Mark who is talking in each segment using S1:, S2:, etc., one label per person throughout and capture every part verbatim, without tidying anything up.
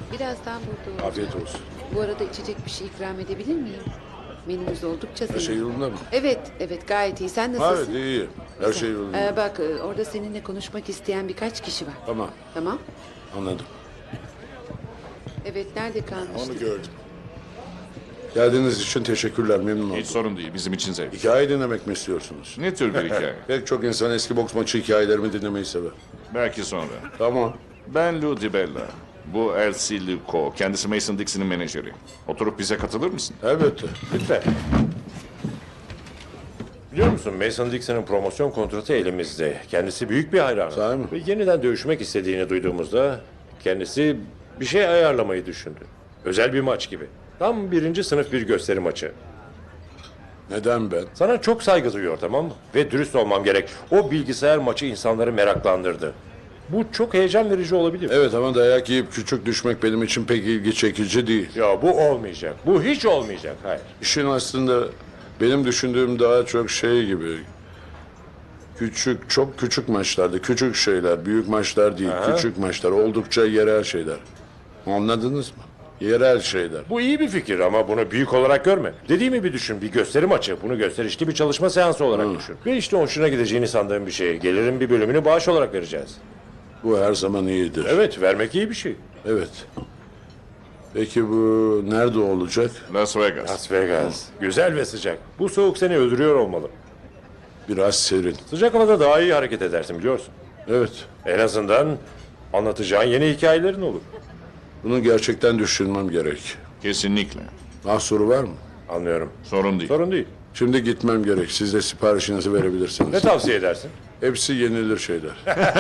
S1: Birazdan burada olacağım.
S2: Afiyet olsun.
S1: Bu arada içecek bir şey ikram edebilir miyim? Menümüz oldukça
S2: Her
S1: zengin.
S2: şey yolunda mı?
S1: Evet, evet gayet iyi. Sen
S2: Evet,
S1: nasılsın?
S2: iyi. Her şey yolunda.
S1: Ee, bak e, orada seninle konuşmak isteyen birkaç kişi var.
S2: Tamam,
S1: Tamam.
S2: anladım.
S1: Evet, nerede kalmıştık?
S2: Onu gördüm. Geldiğiniz için teşekkürler, memnun oldum.
S3: Hiç sorun değil, bizim için zevk.
S2: Hikaye dinlemek mi istiyorsunuz?
S3: Ne tür bir hikaye?
S2: Pek çok insan eski boks maçı hikayelerimi dinlemeyi sever.
S3: Belki sonra.
S2: Tamam.
S3: Ben Lou DiBella. Bu Elsie Luco. Kendisi Mason Dixon'ın menajeri. Oturup bize katılır mısın?
S2: Elbette.
S4: Lütfen. Biliyor musun Mason Dixon'ın promosyon kontratı elimizde. Kendisi büyük bir hayran.
S2: Sahi mi?
S4: Ve yeniden dövüşmek istediğini duyduğumuzda kendisi bir şey ayarlamayı düşündü. Özel bir maç gibi. Tam birinci sınıf bir gösteri maçı.
S2: Neden ben?
S4: Sana çok saygı duyuyor, tamam mı? Ve dürüst olmam gerek. O bilgisayar maçı insanları meraklandırdı. Bu çok heyecan verici olabilir.
S2: Evet ama dayak yiyip küçük düşmek benim için pek ilgi çekici değil.
S4: Ya bu olmayacak. Bu hiç olmayacak. Hayır.
S2: İşin aslında benim düşündüğüm daha çok şey gibi. Küçük, çok küçük maçlarda, küçük şeyler, büyük maçlar değil,
S4: Aha.
S2: küçük maçlar, oldukça yerel şeyler. Anladınız mı? Yerel şeyler.
S4: Bu iyi bir fikir ama bunu büyük olarak görme. Dediğimi bir düşün. Bir gösteri maçı. Bunu gösterişli bir çalışma seansı olarak düşün. Ve işte hoşuna gideceğini sandığım bir şey. Gelirin bir bölümünü bağış olarak vereceğiz.
S2: Bu her zaman iyidir.
S4: Evet, vermek iyi bir şey.
S2: Evet. Peki bu nerede olacak?
S3: Las Vegas.
S4: Las Vegas. Güzel ve sıcak. Bu soğuk seni öldürüyor olmalı.
S2: Biraz serin.
S4: Sıcak havada daha iyi hareket edersin biliyorsun.
S2: Evet.
S4: En azından anlatacağın yeni hikayelerin olur.
S2: Bunu gerçekten düşünmem gerek.
S3: Kesinlikle.
S2: Mahsuru var mı?
S4: Anlıyorum.
S3: Sorun değil.
S4: Sorun değil.
S2: Şimdi gitmem gerek. Siz de siparişinizi verebilirsiniz.
S4: Ne tavsiye edersin?
S2: Hepsi yenilir şeyler.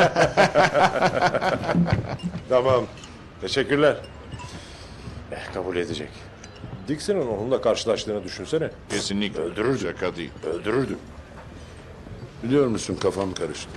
S4: Tamam. Teşekkürler. Eh, kabul edecek. Dixon'ın onunla karşılaştığını düşünsene.
S3: Kesinlikle.
S4: Öldürürdü.
S3: Şaka değil.
S4: Öldürürdü.
S2: Biliyor musun kafam karıştı.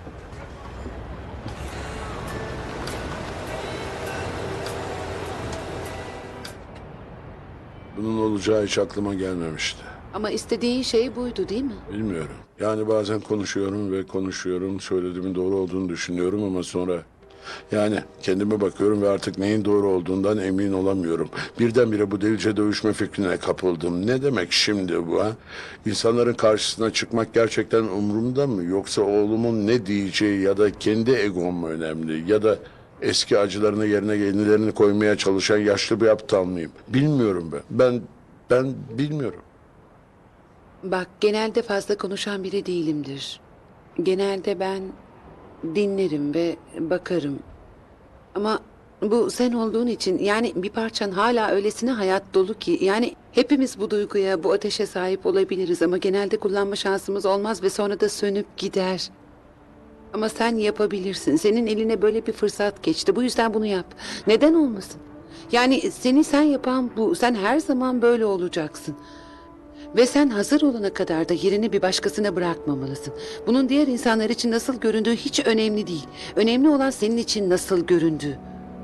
S2: Bunun olacağı hiç aklıma gelmemişti.
S1: Ama istediğin şey buydu değil mi?
S2: Bilmiyorum. Yani bazen konuşuyorum ve konuşuyorum. Söylediğimin doğru olduğunu düşünüyorum ama sonra... Yani kendime bakıyorum ve artık neyin doğru olduğundan emin olamıyorum. Birdenbire bu delice dövüşme fikrine kapıldım. Ne demek şimdi bu ha? İnsanların karşısına çıkmak gerçekten umurumda mı? Yoksa oğlumun ne diyeceği ya da kendi egom mu önemli? Ya da eski acılarını yerine yenilerini koymaya çalışan yaşlı bir aptal mıyım? Bilmiyorum ben. Ben, ben bilmiyorum.
S1: Bak genelde fazla konuşan biri değilimdir. Genelde ben dinlerim ve bakarım. Ama bu sen olduğun için yani bir parçan hala öylesine hayat dolu ki yani hepimiz bu duyguya, bu ateşe sahip olabiliriz ama genelde kullanma şansımız olmaz ve sonra da sönüp gider. Ama sen yapabilirsin. Senin eline böyle bir fırsat geçti. Bu yüzden bunu yap. Neden olmasın? Yani seni sen yapan bu. Sen her zaman böyle olacaksın. Ve sen hazır olana kadar da yerini bir başkasına bırakmamalısın. Bunun diğer insanlar için nasıl göründüğü hiç önemli değil. Önemli olan senin için nasıl göründüğü.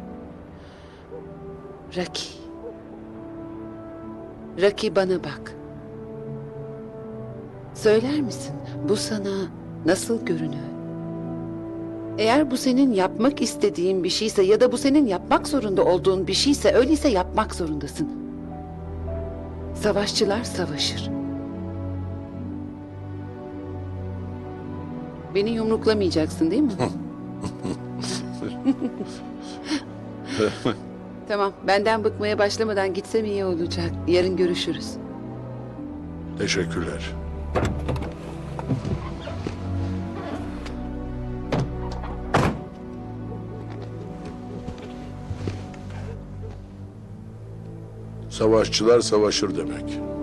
S1: Raki. Raki bana bak. Söyler misin bu sana nasıl görünüyor? Eğer bu senin yapmak istediğin bir şeyse ya da bu senin yapmak zorunda olduğun bir şeyse öyleyse yapmak zorundasın. Savaşçılar savaşır. Beni yumruklamayacaksın değil mi? Tamam, benden bıkmaya başlamadan gitsem iyi olacak. Yarın görüşürüz.
S2: Teşekkürler. Savaşçılar savaşır demek.